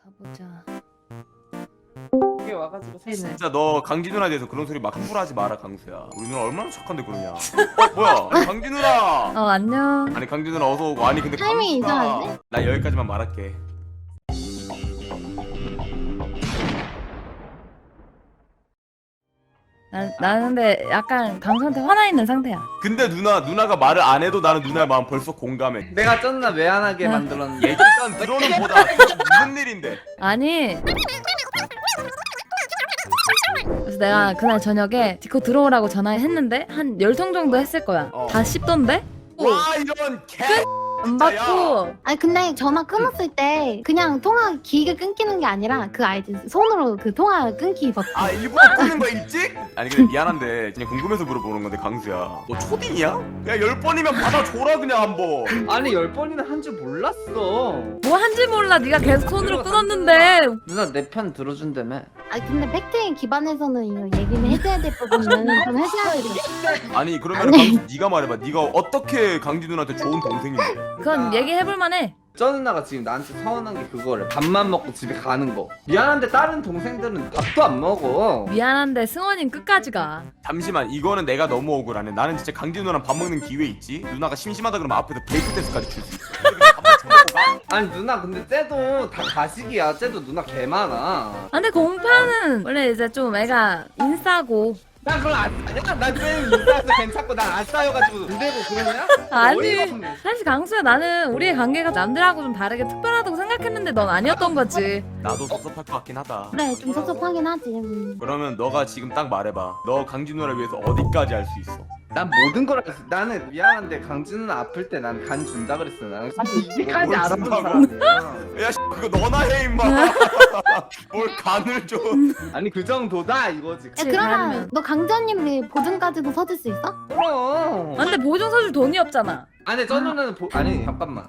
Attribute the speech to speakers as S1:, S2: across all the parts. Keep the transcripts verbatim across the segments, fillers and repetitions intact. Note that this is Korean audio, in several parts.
S1: 가보자.
S2: 이게 와가지고 샀네.
S3: 진짜 너 강지 누나에 대해서 그런 소리 막 함부로 하지 마라 강수야. 우리 누나 얼마나 착한데 그러냐. 어 뭐야? 아니, 강지 누나.
S1: 어 안녕.
S3: 아니 강지 누나 어서 오고. 아니 근데
S4: 타이밍이
S3: 강수가
S4: 이상한데?
S3: 나 여기까지만 말할게.
S1: 나, 나는 근데 약간 강수한테 화나 있는 상태야.
S3: 근데 누나 누나가 말을 안 해도 나는 누나의 마음 벌써 공감해.
S2: 내가 쩐나 외안하게
S1: 아.
S2: 만들었는데.
S3: 일단 들어는 보다 무슨 일인데?
S1: 아니. 그래서 내가 그날 저녁에 디코 들어오라고 전화했는데 한 열 통 정도 했을 거야.
S3: 어.
S1: 다 씹던데?
S3: 와 이런 개.
S1: 안 받고.
S4: 아니 근데 전화 끊었을 때 그냥 통화 길게 끊기는 게 아니라 그 알지 손으로 그 통화 끊기 버튼.
S3: 아 일부러 끊는 거야 일찍? 아니 근데 미안한데 그냥 궁금해서 물어보는 건데 강수야 너 초딩이야? 야 열 번이면 받아줘라 그냥 한번.
S2: 아니 열 번이나 한 줄 몰랐어.
S1: 뭐 한지 몰라. 네가 계속 손으로 끊었는데.
S2: 누나 내 편 들어준다며.
S4: 아니 근데 팩트에 기반해서는 이거 얘기는 해줘야 될 부분은 좀 해줘야 되죠.
S3: 아니 그러면
S4: 아니.
S3: 강수 네가 말해봐. 네가 어떻게 강지 누나한테 좋은 동생인데?
S1: 그건 얘기해볼 만해.
S2: 저 누나가 지금 나한테 서운한 게 그거래. 밥만 먹고 집에 가는 거. 미안한데 다른 동생들은 밥도 안 먹어.
S1: 미안한데 승원이는 끝까지 가.
S3: 잠시만 이거는 내가 너무 억울하네. 나는 진짜 강지 누나랑 밥 먹는 기회 있지. 누나가 심심하다 그러면 앞에서 베이크 댄스까지 줄 수 있어. 근데 그냥 밥만 처먹고 가?
S2: 아니 누나 근데 쟤도 다 가식이야. 쟤도 누나 개 많아.
S1: 아, 근데 공파는 원래 이제 좀 애가 인싸고.
S2: 난 그걸 안 싸냐? 난쟤 인싸서 괜찮고 난 안 싸여가지고 그대로 그러냐?
S1: 아니
S2: 어이가 없네.
S1: 사실 강수야 나는 우리의 관계가 남들하고 좀 다르게 특별하다고 생각했는데 넌 아니었던 거지.
S3: 나도 섭섭할 것 같긴 하다.
S4: 그래 좀 섭섭하긴 하지. 음.
S3: 그러면 너가 지금 딱 말해봐. 너 강지 누나를 위해서 어디까지 할 수 있어?
S2: 난 모든 걸 알았어. 나는 미안한데 강진 누나 아플 때 난 간 준다 그랬어. 나는 이제까지
S3: 뭘
S2: 알아본
S3: 준다고?
S2: 사람이야.
S3: 야 씨, 그거 너나 해 임마. 뭘 간을 줘.
S2: 아니 그 정도다 이거지.
S4: 야
S1: 그치,
S4: 그러면
S1: 다르면.
S4: 너 강자님 보증까지도 서줄 수 있어?
S2: 그럼.
S1: 아, 근데 보증 서줄 돈이 없잖아.
S2: 아니 저 누나는 보... 아니 잠깐만.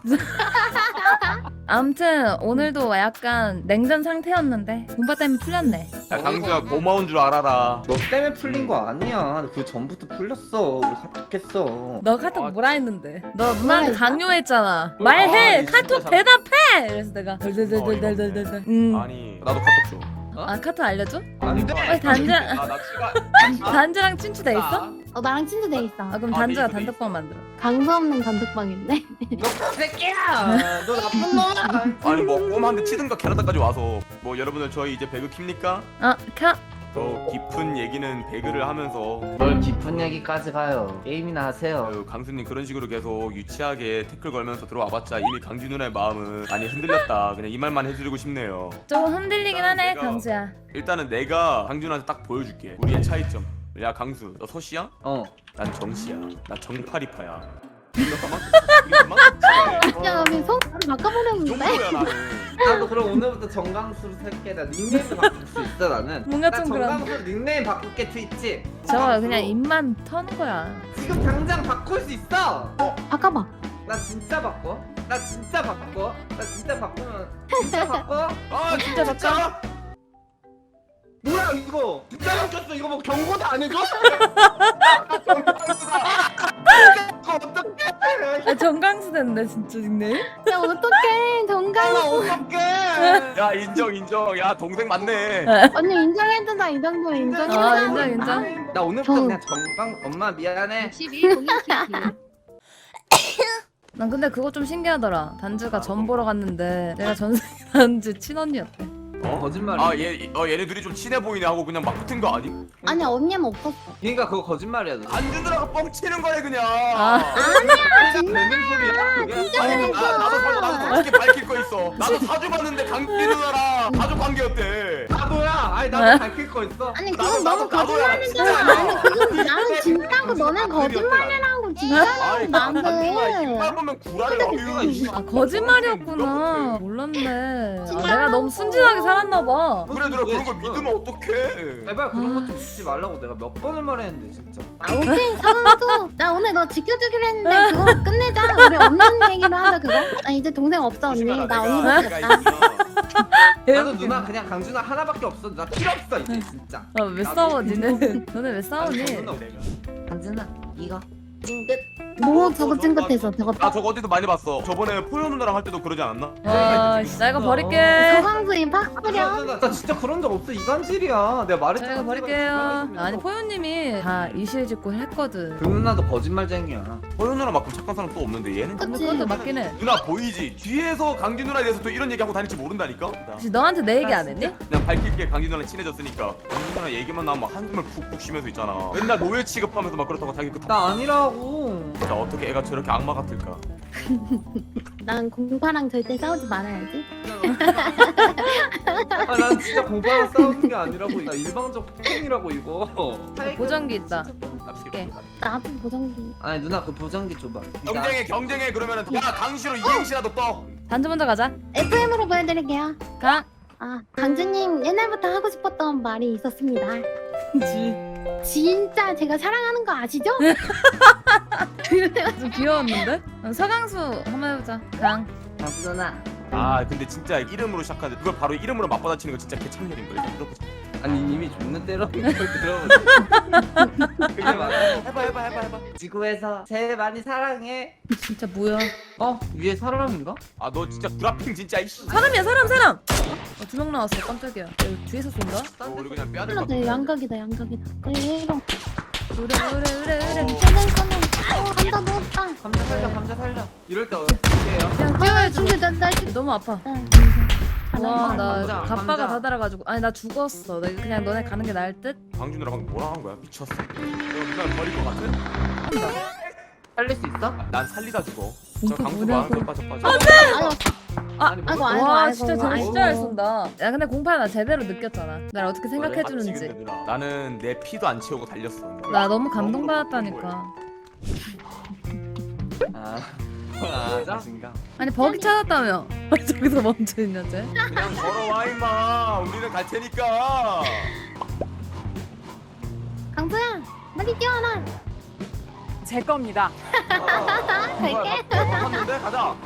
S1: 아무튼 오늘도 약간 냉전 상태였는데 공파 때문에 풀렸네.
S3: 야 강수야 고마운 줄 알아라.
S2: 너 때문에 풀린 거 아니야. 그 전부터 풀렸어. 우리 카톡했어.
S1: 너 카톡
S3: 아,
S1: 뭐라 했는데? 너 누나한테
S4: 뭐라
S1: 강요했잖아.
S3: 아,
S1: 말해.
S3: 진짜
S1: 카톡
S3: 잘-
S1: 대답해. 그래서 내가 덜덜덜덜덜덜. 음.
S3: 아니 나도 카톡 줘.
S1: 아 카톡 알려줘?
S2: 안 돼.
S1: 어, 단자
S3: 아나 치가.
S1: 단자랑 친추돼 있어?
S4: 어 나랑 친구 돼 있어.
S1: 아 그럼
S3: 아,
S1: 단자가
S3: 돼 있어, 돼
S1: 단톡방 만들어.
S4: 강수 없는 단톡방인데.
S2: 너 새끼야. 너 나쁜 놈아.
S3: 아니 뭐 꼬마한테 치든가 캐나다까지 와서 뭐 여러분들 저희 이제 배그 킵니까?
S1: 아 카.
S3: 더 깊은 얘기는 배그를 하면서
S2: 뭘 깊은 얘기까지 가요. 게임이나 하세요.
S3: 아유, 강수님 그런 식으로 계속 유치하게 태클 걸면서 들어와봤자 이미 강지 누나의 마음은 많이 흔들렸다. 그냥 이 말만 해드리고 싶네요.
S1: 조금 흔들리긴 하네
S3: 내가-
S1: 강수야.
S3: 일단은 내가 강지 누나한테 딱 보여줄게. 우리의 차이점. 야 강수 너 서씨야?
S2: 어.
S3: 난 정씨야. 나 정파리파야. 우리 그만큼
S4: 야 우리 속 바꿔보려는데.
S3: 정도야 나는.
S2: 나도 그럼 오늘부터 정강수로 살게. 나 닉네임도 바꿀 수 있어 나는.
S1: 뭔가
S2: 나
S1: 좀 그런.
S2: 정강수 닉네임 바꿀게 트위치.
S1: 저거 그냥 입만 터는 거야.
S2: 지금 당장 바꿀 수 있어.
S4: 바꿔봐.
S2: 나 진짜 바꿔. 나 진짜 바꿔. 나 진짜 바꾸면 진짜 바꿔.
S3: 아 진짜 진짜.
S2: 뭐야 이거? 진짜 바뀌었어. 이거 뭐 경고도 안 해줘? 이거 어떡해?
S1: 아 정강수 됐네 진짜 닉네임.
S4: 야 어떡해
S2: 아,
S4: 정강.
S2: 어떡해?
S3: 야 인정 인정. 야 동생 맞네.
S4: 언니 인정해준다 이 정도 인정해.
S1: 아 인정 인정.
S2: 나 오늘부터
S4: 저-
S2: 그냥 정강 엄마 미안해.
S1: 난 근데 그거 좀 신기하더라. 단주가 전 보러 갔는데 내가 전생 단주 친언니였대.
S3: 어?
S2: 거짓말이야.
S3: 아얘 어, 얘네 둘이 좀 친해 보이네 하고 그냥 막 붙은 거 아니?
S4: 아니 언니는 없었어.
S2: 그러니까 그거 거짓말이야. 너.
S3: 안주 누나가 뻥치는 거야 그냥.
S1: 아.
S2: 되는 소리야. 그게.
S3: 아니, 나, 나도 사- 나도 솔직히 밝힐 거 있어. 나도 사주 봤는데 강지 누나랑 가족 관계였대.
S2: 나도야. 아니 나도 밝힐 거 있어.
S4: 아니
S3: 나도-
S4: 그건
S3: 나도-
S4: 너무
S3: 나도야,
S4: 거짓말이잖아.
S3: 진짜.
S4: 아니 그건 나는 진짜고 너는 거짓말이라고 진짜라고
S3: 아니 강지 누나
S4: 나는.
S3: 입만 보면 구라를 하고.
S1: 아 거짓말이었구나. 몰랐네. 아, 내가 너무 순진하게 살았나 봐.
S3: 그래 누나 그런 걸 믿으면 어떡해.
S2: 제발 그런 거 좀 짓지 말라고 내가 몇 번을 말했는데 진짜.
S4: 아 오케이 사과도. 나 오늘 너 지켜주기로 했는데 그거 끝내자. 우리 없는 얘기로 하자 그거. 나 이제 동생 없어 언니.
S3: 조심해라,
S4: 나
S3: 내가-
S4: 언니밖에
S3: 내가
S4: 없다.
S3: 있으면
S2: 나도 누나 그냥 강준아 하나밖에 없어. 나 필요 없어 이제 진짜.
S1: 아왜 싸워 니네? 너네 왜 싸우니?
S2: 강준아 이거. 찡긋.
S4: 뭐 저거 찡긋해서 저거
S3: 나 저거 어디서 많이 봤어. 저번에 포효 누나랑 할 때도 그러지 않았나?
S1: 아, 씨, 나 이거 버릴게.
S4: 서강수인 팍뿌려.
S2: 나, 나 진짜 그런 적 없어. 이간질이야. 내가 말했잖아.
S1: 자, 이거 버릴게요. 아니, 포효님이 다 이실직고 했거든.
S2: 그 누나도 거짓말쟁이야.
S3: 포효 누나만큼 착한 사람 또 없는데 얘는?
S1: 근데
S4: 그치.
S1: 그것도 맞긴 해.
S3: 누나 보이지? 뒤에서 강진 누나에 대해서 또 이런 얘기하고 다닐지 모른다니까?
S1: 혹시 너한테 내 얘기 안 했니?
S3: 그냥 밝힐게. 강진 누나랑 친해졌으니까 강진 누나 얘기만 나오면 막 한숨을 푹푹 쉬면서 있잖아. 맨날 노예 취급하면서 막 그렇다고 자기 그
S2: 나 아니라고.
S3: 진짜 어떻게 애가 저렇게 악마 같을까?
S4: 난 공파랑 절대 싸우지 말아야지.
S2: 아, 난 진짜 공부하러 싸우는 게 아니라고. 나 일방적 폭행이라고 이거.
S1: 보정기 있다.
S3: 납치게.
S4: 나도 보정기.
S2: 아니 누나 그 보정기 줘봐.
S3: 경쟁해 경쟁해 그러면은 야 강시로 이행시라도 떠.
S1: 단주 먼저 가자.
S4: 에프엠으로 보여드릴게요.
S1: 가.
S4: 아, 강주님 옛날부터 하고 싶었던 말이 있었습니다. 진짜 제가 사랑하는 거 아시죠?
S1: 좀 귀여웠는데? 어, 서강수 한번 해보자. 강.
S2: 누나.
S3: 아 근데 진짜 이름으로 시작하는데 그걸 바로 이름으로 맞받아치는 거 진짜 개창렬인 거야. 일단 들어보자.
S2: 아니 이미 존나 때려는 걸 들어보자. 그게 맞아.
S3: 해봐 해봐 해봐 해봐.
S2: 지구에서 제일 많이 사랑해.
S1: 진짜 뭐야?
S2: 어? 위에 사람인가?
S3: 아 너 진짜 구라핑 진짜 이씨.
S1: 사람이야, 사람, 사람! 어, 두 명 나왔어. 깜짝이야. 야, 이거 뒤에서 쏜다?
S3: 어, 우리 그냥 빼야 될
S4: 나
S3: 것
S4: 내
S3: 같아.
S4: 양각이다 양각이다. 그래 이런.
S1: 그래, 그래, 그래, 그래.
S4: 꺼내 꺼내. 어 한다 넣었다.
S2: 감자 살려 감자 살려. 이럴 때 어떻게 해요?
S1: 그냥
S4: 아
S1: 뛰어야지.
S4: 근데 나나
S1: 너무 아파.
S2: 감자,
S1: 와, 나
S2: 감자,
S1: 갑바가
S2: 감자.
S1: 다 달아가지고. 아니, 나 죽었어. 나 그냥 너네 가는 게 나을 듯?
S3: 강준이랑 방금 뭐라 한 거야? 미쳤어. 내가 누나를 버릴 것 같아?
S2: 살릴 수 있어?
S3: 아, 난 살리다 죽어. 저
S1: 이거
S3: 강수
S1: 뭐냐고.
S3: 봐. 저 빠져 빠져.
S4: 아유
S1: 아,
S2: 아니,
S4: 아이고
S2: 뭐-
S4: 아이고
S1: 와,
S4: 아이고.
S1: 진짜 쟤
S4: 아이고.
S1: 진짜 잘 쏜다. 야, 근데 공파 나 제대로 느꼈잖아. 날 어떻게
S3: 맞지, 근데
S1: 생각해주는지.
S3: 누나. 나는 내 피도 안 채우고 달렸어.
S1: 나 너무 감동받았다니까.
S2: 아 맞아?
S1: 아니, 버기 찾았다며. 저기서 멈춰있냐, 쟤?
S3: 그냥 걸어와 임마. 우리는 갈 테니까.
S4: 강수야 빨리 뛰어라.
S5: 제 겁니다.
S4: 갈게.
S3: 갔는데 가자.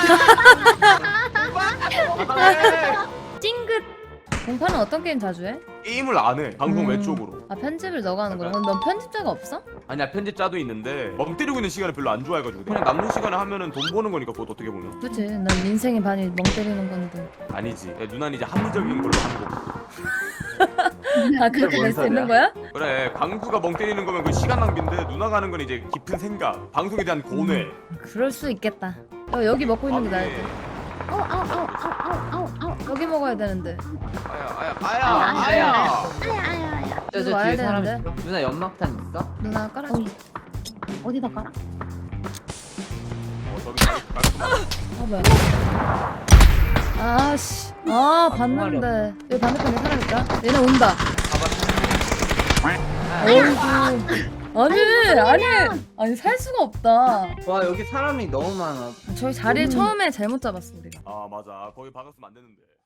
S1: 찡긋! 공파는 어떤 게임 자주 해?
S3: 게임을 안 해. 방송
S1: 음.
S3: 외쪽으로.
S1: 아, 편집을 너가 하는 거야? 그럼 넌 편집자가 없어?
S3: 아니야 편집자도 있는데 멍 때리고 있는 시간을 별로 안 좋아해가지고 그냥 남는 시간에 하면은 돈 버는 거니까 그것도 어떻게 보면
S1: 그치, 난 인생의 반이 멍 때리는 건데.
S3: 아니지. 야, 누나는 이제 합리적인 걸로 하는 거.
S1: 아, 그렇게
S2: 뭔
S1: 될 수 있는
S2: 소리야?
S1: 거야?
S3: 그래 강수가 멍 때리는 거면 그 시간 낭비인데 누나가 하는 건 이제 깊은 생각, 방송에 대한 고뇌.
S1: 그럴 수 있겠다. 어, 여기 먹고 있는 게 나을 듯.
S4: 아우 아우 아우 아우 아우 아우.
S1: 여기 먹어야 되는데.
S3: 아야 아야
S4: 아야,
S3: 아야
S4: 아야.
S3: 아야.
S4: 아야 아야 아야.
S2: 저,
S1: 이거
S2: 저
S1: 와야
S2: 뒤에 사람
S1: 되는데.
S2: 있어? 누나 연막탄 있어?
S1: 누나 깔아줘.
S4: 어이. 어디다 깔아?
S3: 어, 저기 깔끔하다.
S1: 아, 뭐야. 아씨. 아, 봤는데. 여기 반대편에 사람 있다. 얘네 온다. 어이구. 아니, 아니. 아니, 살 수가 없다.
S2: 와 여기 사람이 너무 많아.
S1: 저희 자리를 처음에 잘못 잡았어, 우리가.
S3: 아 맞아. 거기 박았으면 안 되는데.